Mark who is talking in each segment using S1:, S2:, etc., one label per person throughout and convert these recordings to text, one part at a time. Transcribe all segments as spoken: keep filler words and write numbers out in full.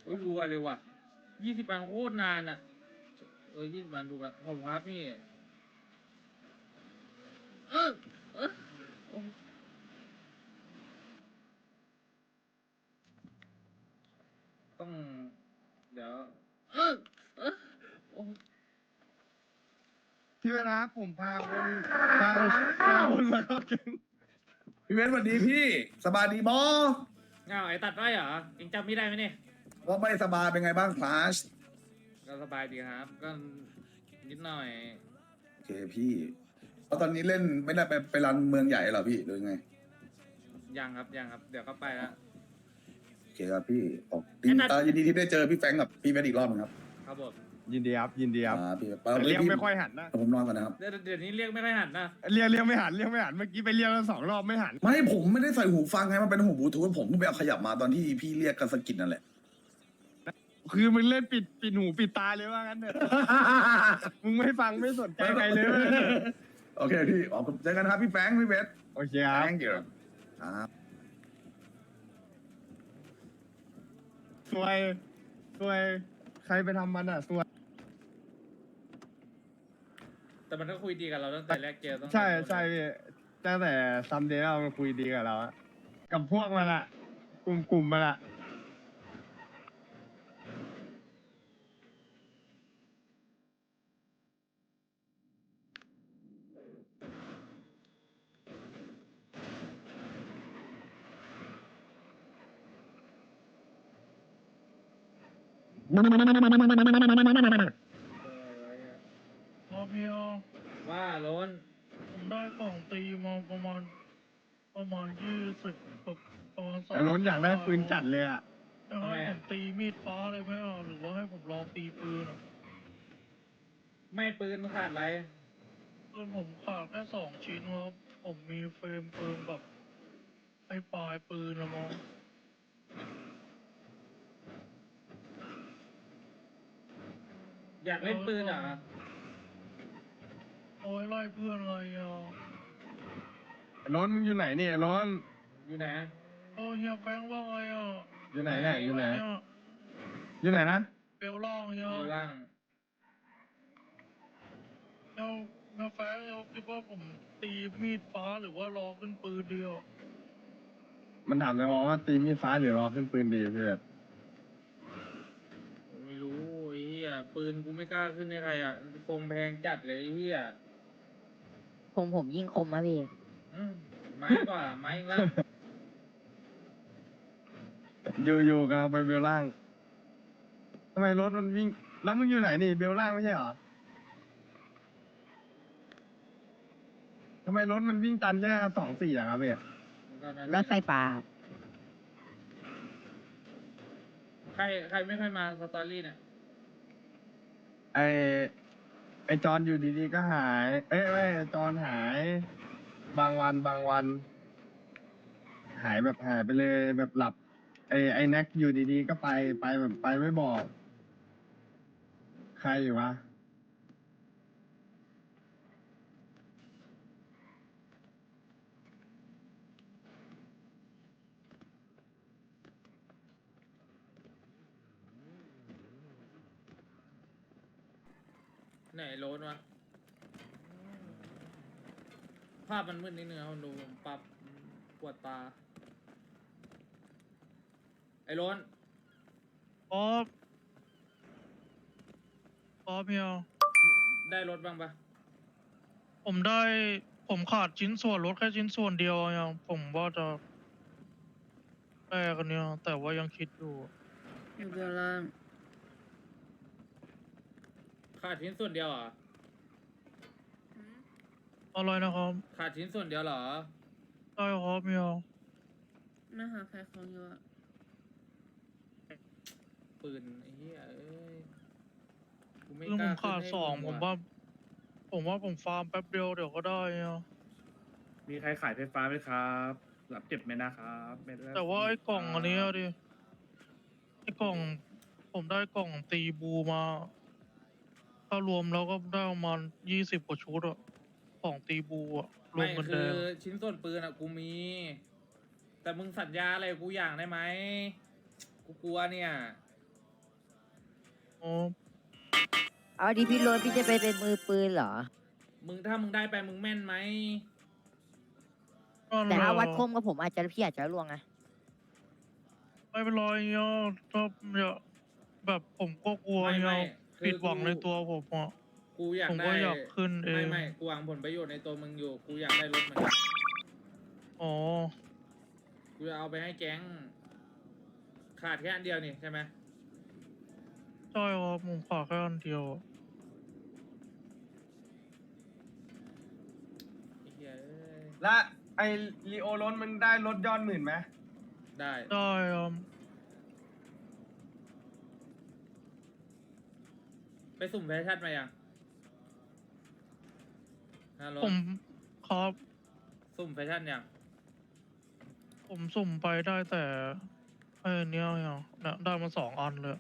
S1: โอ้ยรัวเลยว่ะยี่สิบวันโคตรนานอ่ะเออยี่สิบวันดูละผมครับพี่เออเออโอ้ต้องเดี๋ยวเออเออโอ้
S2: พี่เวลาผมพาคนพาพาคนมาเข้าแก๊ง
S3: พี่เวทสวัสดีพี่สบายดีบอ
S1: เงาไอ้ตัดได้เหรอเองจำไม่ได้ไหมเนี่ย
S3: ว่าไม่สบายเป็นไงบ้างคลาส
S1: ก็สบายดีครับ ก็นิดหน่อย
S3: โอเคพี่เพราะตอนนี้เล่นไม่ได้ไปไปรันเมืองใหญ่เหรอพี่หรือไง
S1: ยังครับยังครับ เดี๋ยวก็ไปแล้ว
S3: โอเคครับพี่ออกดี
S1: ไอ้นัท
S3: เอ่อยินดีที่ได้เจอพี่แฟรงค์กับพี่เวทอีกรอบหนึงครับ
S1: ครับผม
S2: ยินดีครับยินดีครับ
S3: อ่าพี่ไป
S2: แต่เรียกไม่ค่อยหันนะ
S3: ผมนอนก่อนนะครับ
S1: เดี๋ยวเดี๋ยวนี้เรียกไม่ค่อยหันนะ
S2: เรียกเรียกไม่หันเรียกไม่หันเมื่อกี้ไปเรียกแล้วสองรอบไม่หัน
S3: ไม่ผมไม่ได้ใส่หูฟังไงมันเป็นหูบลูทูธผมเพิ่งไปเอาขยับมาตอนที่พี่เรียกกันสะกิดนั่นแหละ
S2: คือมึงเล่นปิดปิดหูปิดตาเลยว่างั้นเถอะมึงไม่ฟังไม่สนใจใครเลย
S3: โอเคพี่ออกเจอกันครับพี่แฟรงค์พี่เวท
S2: โอเคครับ
S3: thank you ครับ
S2: สวยสวยใครไปทำมันอ่ะสวย
S1: แต่มันก็คุยดีกับเราตั้งแต่แรกเจอตั้งแต่
S2: ใช่ใช่พี่ตั้งแต่ซัมเดย์เรามาคุยดีกับเราอะกับพวกมันอะกลุ่มกลุ่มมันอะ
S4: พอเพียว
S1: ว่าล้น
S4: ผมได้กล่องตีมาประมาณประมาณยี่สิบประมาณสอง
S2: แต่ล้นอยากได้ปืนจัดเลยอะ
S4: จะให้ผมตีมีดฟ้าเลยไหมอ่ะหรือว่าให้ผมลองตีปืนอ่ะ
S1: ไม่ปืนขาดอะไร
S4: ปืนผมขาดแค่สองชิ้นครับผมมีเฟรมปืนแบบไอ้ปลายปืนนะมอง
S1: อยากเล่นปืนเหรอ
S4: โอ้ยไล่เพื่อนอะไรอ่ะ
S2: ล้นมึงอยู่ไหนเนี่ยล้น
S1: อยู่ไหน
S4: โอ้ยเฮียแฟงว่าไงอ่ะ
S2: อยู่ไหนเนี่ยอยู่ไหน
S4: เย
S2: อยู่ไหนนะ
S4: เบลล่างเฮีย
S1: อยู่ล่าง
S4: เฮียเฮียแฟงเฮียคิดว่าผมตีมีดฟ้าหรือว่ารอขึ้นปืนเดียว
S2: มันถามเลยว่าตีมีดฟ้าหรือรอขึ้นปืนดีเพื่อน
S1: ไม่รู้ไอ้เหี้ยปืนกูไม่กล้าขึ้นให้ใครอ่ะคงแพงจัดเลยไอ้เหี้ย
S5: ผมผมยิ่งคมนะพี่
S1: อืมไม้กว่าไม้ละ
S2: อยู่อยู่กันไปเบลล่างทำไมรถมันวิ่งแล้วมึงอยู่ไหนนี่เบลล่างไม่ใช่เหรอทำไมรถมันวิ่งตันแค่สองสี่อะครับพี่
S5: รถไฟฟ้าครับ
S1: ใครใครไม่ค่อยมาสตอรี่เนี่ย
S2: ไอไอจอนอยู่ดีๆก็หาย เอ้ยไม่จอนหาย บางวันบางวัน หายแบบหายไปเลยแบบหลับ ไอไอแน็กอยู่ดีๆก็ไปไปแบบไปไม่บอก ใครอยู่วะ
S1: ไหนโลนวะภาพมันมืดนิดนึงครับดูผมปรับปวดตา ไอ้โลน
S4: ป๊อปป๊อปเฮีย
S1: ได้รถบ้างปะ
S4: ผมได้ผมขาดชิ้นส่วนรถแค่ชิ้นส่วนเดียวยังผมว่าจะแลกกันเนี่ยแต่ว่ายังคิดอยู่
S5: อยู่เบลล่าง
S1: ขาดชิ้นส่วนเดียวเหรอ
S4: อะไรนะครับ
S1: ขาดชิ้นส่วนเดียวเหรอ
S4: ได้ครับเฮีย
S5: น่าหาใครของอยู่อะ
S1: ปืนไอ้เหี้ยเอ้ยกูไม่
S4: เรื่อง
S1: ก
S4: ผ
S1: ล้าม
S4: ขาด
S1: ขึ้นให้
S4: สอง
S1: ง
S4: ผม
S1: ว่ะ
S4: ว่า ผมว่าผมฟาร์มแป๊บเดียวเดี๋ยวก็ได้เฮีย
S6: มีใครขายไฟฟ้าไหมครับรับเก็บไหมนะครับไม่ได้
S4: แต่ว่าไอ้กล่องอันเนี้ยดิไอ้กล่อง ผมได้กล่องตีบูมาถ้ารวมแล้วก็ได้ประมาณยี่สิบกว่าชุดอะของตีบูอะรว
S1: ไม่
S4: มกันแด
S1: คือง ชิ้นส่วนปืนอะกูมี แต่มึงสัญญาอะไรกับกูอย่างได้ไหมกูกลัวเนี่ย
S4: อ๋อ
S5: เอาดีพี่โรถพี่จะไปเป็นมือปืนเหรอ
S1: มึงถ้ามึงได้ไปมึงแม่นไหม
S4: นั่น
S5: แต่ถ้า
S4: แหละ
S5: วัดคมกับผมอาจจะพี่อาจจะล่วงนะ
S4: ไม่เป็นไรเนาะถ้าเนี่ยแบบผมก็กลัว
S1: ไม่ไม่
S4: เนาะ
S1: คือ
S4: ผิดหวัง
S1: กู
S4: ในตัวผมอ่ะ
S1: กูอยาก
S4: ผม
S1: ได้
S4: ก็อยากขึ้นเอง
S1: ไม่ไม่กูหวังผลประโยชน์ในตัวมึงอยู่ กูอยากได้รถเหมือนกัน
S4: อ๋อ
S1: กูจะเอาไปให้แก๊ง ขาดแค่อันเดียวนี่ใช่ไหม
S4: ใช่ครับผมขอแค่อันเดียวอะ
S1: ไอ้เหี้ยเอ้ย
S2: และไอลีโอรถมันได้รถยอดหมื่นไหม
S1: ได้
S4: ได้ครับ
S1: ไปสุ่มแฟชั่นมายังฮัลโหล
S4: ผมครับ
S1: สุ่มแฟชั่นยัง
S4: ผมสุ่มไปได้แต่ไอ้เนี้ยเนี่ยเนี่ยได้มาสองอันเลย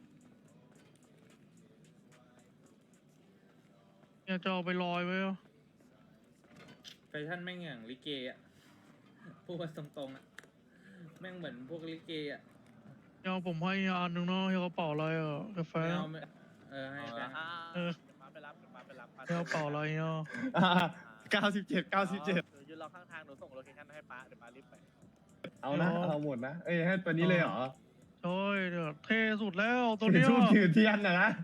S4: เนี่ยจะเอาไปลอยไว้อะ
S1: แฟชั่นแม่งอย่างลิเกอะพูดมาตรงๆอะแม่งเหมือนพวกลิเกอะ
S4: เนี่ยผมให้อันหนึ่งเนาะให้กระเป๋าอะไรอ่ะกาแฟ
S1: ไม่เอาไม่เออให้แฟน
S4: เออให้กระเป๋าอะไรเนาะ
S2: เก้าสิบเจ็ดเก้าสิบเจ็ด
S7: ยืนรอข้างทางหนูส่งโลเคชั่นให้ป้าเดี๋ยวป้ารีบไป
S2: เอานะเอาหมดนะ เอ้ยให้ตัวนี้เลยเหรอ
S4: ใช่เนี่ยเท่สุดแล้วตัว
S2: ถือ
S4: เนี้ย
S2: ทูบถือเทียนนะนะ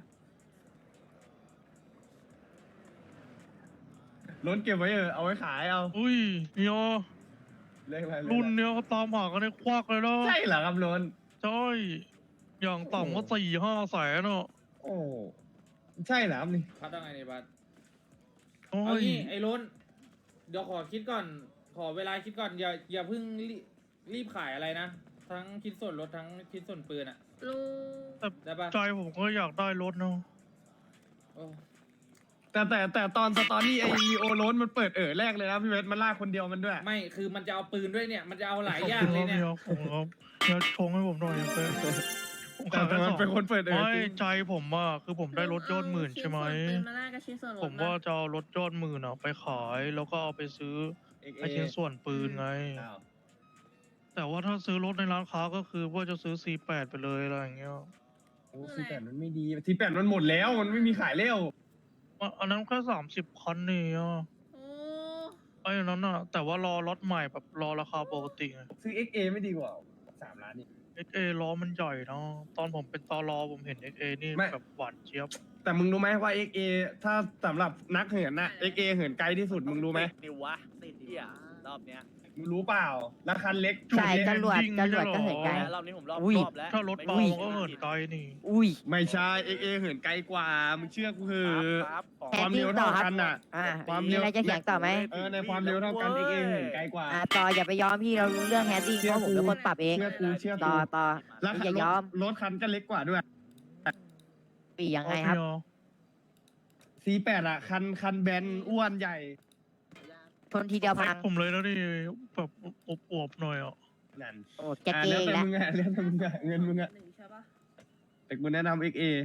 S2: รถเก็บไว้เออเอาไว้ขายเอา
S4: อุ้ยเนี่ย
S2: เลขอะไรเลข
S4: รุ่น
S2: อะไร
S4: เนี้ยเขาตามหากันในควักเลยเนาะ
S2: ใช่เหรอครับรถ
S4: ใช่อย่างต่ำก็สี่ห้าแสนเนาะ
S2: โอ้ใช่เหรอครับนี่
S1: พัดว่าไงเนี่ยบัส
S4: โอ้
S1: เอา
S4: ย
S1: งี้ไอ้ล้นเดี๋ยวขอคิดก่อน ขอเวลาคิดก่อน อย่าอย่าเพิ่งรีรีบขายอะไรนะ ทั้งคิดส่วนรถทั้งคิดส่วนปืนอะ
S5: ลุง
S1: ได้ปะ
S4: ใจผมก็อยากได้รถเนาะ
S1: โอ้
S2: แต่แต่แต่ตอนสตอรี่ไอลีโอรถมันเปิดเอ๋อแรกเลยนะพี่เวทมันลากคนเดียวมันด้วย
S1: ไม่คือมันจะเอาปืนด้วยเนี่ย มันจะเอาหลายอย่างเลยเนี่ย
S4: ผมครับเนี่ยชงให้ผมหน่อยเพื่อนผม
S2: แต่
S4: ขาย
S2: แต่
S4: แค่
S2: มั
S4: ส
S2: น
S4: อง
S2: เป็นคนเปิดเอ๋อ
S4: ไม่
S2: จริง
S4: ใจผมอะคือผมได้รถยอดหมื่นใช่ไหม
S5: ลุงเอาชิ้นส่วนปืนมาแลกกับชิ้นส่วนรถ
S4: ผมว่าจะเอารถยอดหมื่นอะไปขายแล้วก็เอาไปซื้อ
S2: เอ็กเอ
S4: ไอชิ้นส่วนปืนไง
S2: อ้าว
S4: แต่ว่าถ้าซื้อรถในร้านค้าก็คือว่าจะซื้อ ซี แปด ไปเลยอะไรอย่างเงี้ย
S2: โอ้ทีแปดมันไม่ดีทีแปดมันหมดแล้วมันไม่มีขายแล้ว
S4: อ่ะอันนั้นแค่สามสิบคันนี่อ่ะ
S5: โอ้
S4: ไอ้อันนั้นอ่ะ แต่ว่ารอรถใหม่แบบรอราคาปกติไง
S2: ซื้อ เอ็ก เอ ไม่ดีกว่าสามล้านนี่
S4: เอ็กเอล้อมันใหญ่เนาะตอนผมเป็นตอรอผมเห็น เอ็ก เอ นี่
S2: ไม่
S4: แบบหวานเจี๊ยบ
S2: แต่มึงรู้ไหมว่า เอ็ก เอ ถ้าสำหรับนักเหินน่ะ เอ็ก เอ เหินไกลที่สุดมึงรู้ไหม
S7: นิววะติดเหี้ยรอบเนี้ย
S2: มึงรู้เปล่าราคาเล็ก
S5: ใช่จรวด
S4: จริง
S5: จ
S4: ไม่
S5: ร
S4: ใช่
S5: วด
S4: หรอ
S5: ก็เหินไกล
S7: รอบนี้ผมรอบ
S5: อุ้ย
S7: รอบแล้ว
S4: ถ้ารถเบา
S5: อุ้ย
S4: มันก็เหินไกลนี่
S5: อุ้ย
S2: ไม่ใช่ เอ็ก เอ เหินไกลกว่ามึงเชื่อกูเห
S7: ค
S2: อะ
S7: รับขอ
S2: ความเร็วเท่ากันน่ะ
S5: อ่า
S2: ความ
S5: มี
S2: เร็ว
S5: อะไรจะเถียงต่อไหม
S2: เออในความเร็วเท่ากัน เอ็ก เอ เหินไกลกว่า
S5: อ่าต่ออย่าไปยอมพี่เรารู้เรื่องแฮดดิ้งเพราะผมเป็นคนปรับเอง
S2: เชื่อกูเชื่อ
S5: ต่
S2: กู
S5: อต่อ
S2: แล้ว
S5: อย่ายอม
S2: รถคันก็เล็กกว่าด้วย
S5: ปียังไงครับ
S2: ซี แปด อ่ะ คันคันแบนอ้วนใหญ่
S5: ทนทีเดียว
S4: แพ็
S5: พั
S4: ค
S5: ง
S4: ผมเลยแล้วนี่แบบอวบๆหน่อยอ่ะ
S2: นั่น
S5: โอ้แก
S2: อ่ะ
S5: เก
S2: แล้ว
S5: ย์
S2: แต่
S5: แล้ว
S2: มึงอ่ะแล้วแต่มึงอ่ะเงินมึงอ่ะ
S5: หนึ่งใช่ปะ
S2: แต่กูแนะนำ เอ็ก เอ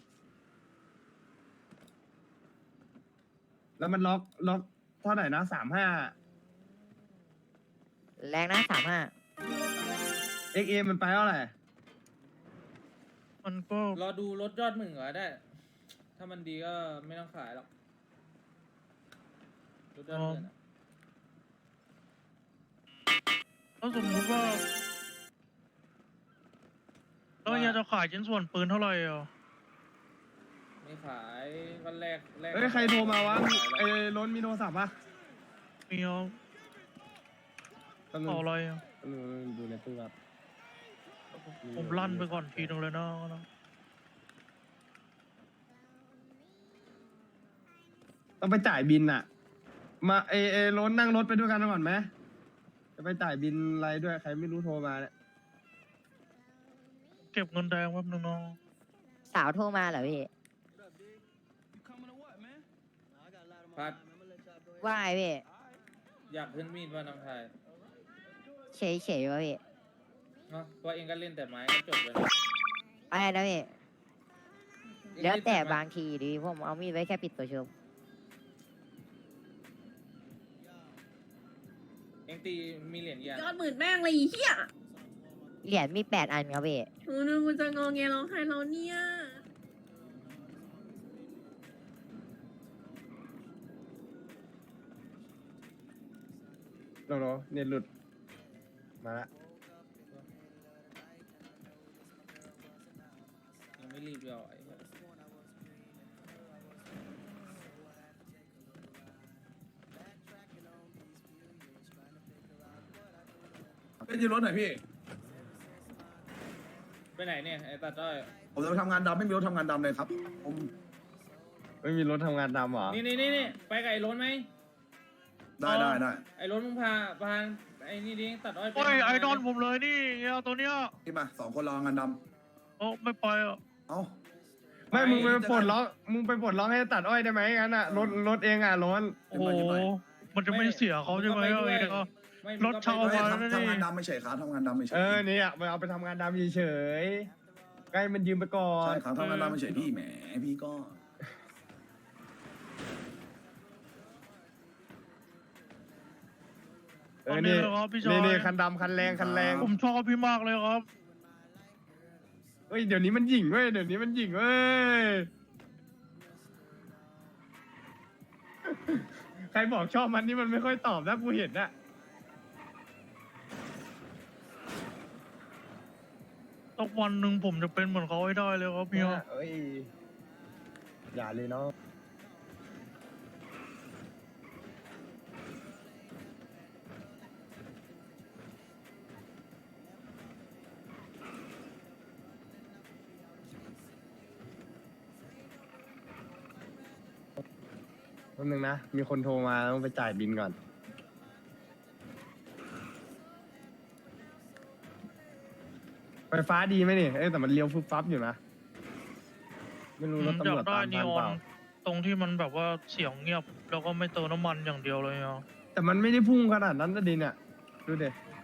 S2: แล้วมันล็อกล็อกเท่าไหร่นะสามห้า
S5: แรงนะสามห้า
S2: เอ็ก เอ มันไปเท่าไหร่
S4: มันก็
S1: รอดูรถยอดหมื่นก่อนได้ ถ้ามันดีก็ไม่ต้องขายหรอก รถยอดหมื่นอะ
S4: ถ้าสมมุติว่าแล้วเฮียจะขายชิ้นส่วนปืนเท่าไหร่อ่ะ
S1: ไม่ขายก็แรกแรก
S2: เอ้ย ใครโทรมาวะ
S1: ไขายหรอก
S2: ไอ้ล้นมีโทรศัพท์ปะ
S4: มีเอา
S2: แป๊บนึง
S4: เอาอะไรอ่ะ
S2: แป๊บนึงดูในตู้ครับ
S4: ผมลั่นไปก่อนทีนึงเลยนะ
S2: ต้องไปจ่ายบินอ่ะ มาเอเอล้นนั่งรถไปด้วยกันก่อนไหมจะไปจ่ายบินอะไรด้วย ใครไม่รู้โทรมาเนี่ย
S4: เก็บเงินแดงแป๊บนึงเนาะ
S5: สาวโทรมาเหรอพี่
S1: พัด
S5: ว่าไงพี่
S1: อยากขึ้นมีดว่าน้องชาย
S5: เฉยเฉยวะพี่
S1: เนาะเพราะเองก็เล่นแต่ไม้ก็จบเลย
S5: อะไรนะพี่
S1: เอง
S5: แล้ว
S1: เน
S5: แต่
S1: ไม้
S5: บางทีดิผมเอามีดไว้แค่ปิดตัวชม
S1: เองตีมีเหรียญกี่อัน
S8: ยอดหมื่นแม่งเลยไอ้เฮีย
S5: เหรียญมีแปดอันครับพี่
S8: หนูนึกว่าจะงอแงร้องไห้เราเนี่ย
S2: โนโนเน็ตหลุด มาละ
S1: ยังไม่รีบเลยอ่ะไอ้เหี้ย
S3: เป็นยืนรถหน่อยพี่
S1: ไปไหนเนี่ยไอ้ตัดด้อย
S3: ผมจะไปทำงานดำไม่มีรถทำงานดำเลยครับผม
S2: ไม่มีรถทำงานดำเหรอ
S1: นี่นี่นี่นี่ไปกับไอ้รถไหม
S3: ได้ได้ได้
S1: ไอ้รถมึงพาพาไอ้นี่ดิตัดอ้อยไป
S4: โอ้ยไอดอลผมเลยนี่เงี้ยตัวเนี้ย
S3: พี่มาสองคนรองานด
S4: โอ้ไม่ไปอ่ะ
S3: ำเอ้า
S2: ไม่ มึงไปปลดล็อก มึงไปปลดล็อกให้ตัดอ้อยได้ไหมงั้นอ่ะ รถ รถเองอ่ะร้อน
S4: โอ้โหมันจะไม่เสียเขาใช่ไหม
S1: งก็
S4: เอ้
S1: ป
S4: ย
S1: ด้วย
S4: ก็
S1: ไม่
S4: รถเช่า
S1: มึงก็ไป
S3: เฮ้ย
S1: ด้วย
S3: ทำทำงานดำไม่ใช่ครับทำงานดำไม่ใช่
S2: เออเนี่ยไปเอาไปทำงานดำเฉยๆใกล้มันยืมไปก่อน
S3: ใช่ครับทำงานดำไม่ใช่พี่แหมพี่ก็
S2: เออนี่
S4: ตอนนี้เลยครับพี่ชาย
S2: นี่นี่คันดำคันแรงคันแรง
S4: ผมชอบพี่มากเลยครับ
S2: เฮ้ยเดี๋ยวนี้มันหยิ่งเว้ยเดี๋ยวนี้มันหยิ่งเว้ย ใครบอกชอบมันนี่มันไม่ค่อยตอบนะกูเห็นนะ
S4: สักวันหนึ่งผมจะเป็นเหมือนเขาให้ได้เลยครับพี่
S2: เอ้ยอย่าเลยเนาะแป๊บนึงนะ มีคนโทรมาต้องไปจ่ายบินก่อน ไฟฟ้าดีไหมนี่เอ้ยแต่มันเลี้ยวฟึบฟับอยู่นะ ไม่รู้รถ
S4: อ
S2: ตำ
S4: ยาร
S2: วจ
S4: กได้
S2: ตาม
S4: นี
S2: ทัน
S4: ออ
S2: เป
S4: น
S2: ล่า
S4: ตรงที่มันแบบว่าเสียงเงียบ แล้วก็ไม่เติมน้ำมันอย่างเดียวเลยอ่ะ
S2: แต่มันไม่ได้พุ่งขนาดนั้นนะดินอ่ะ ดูเด็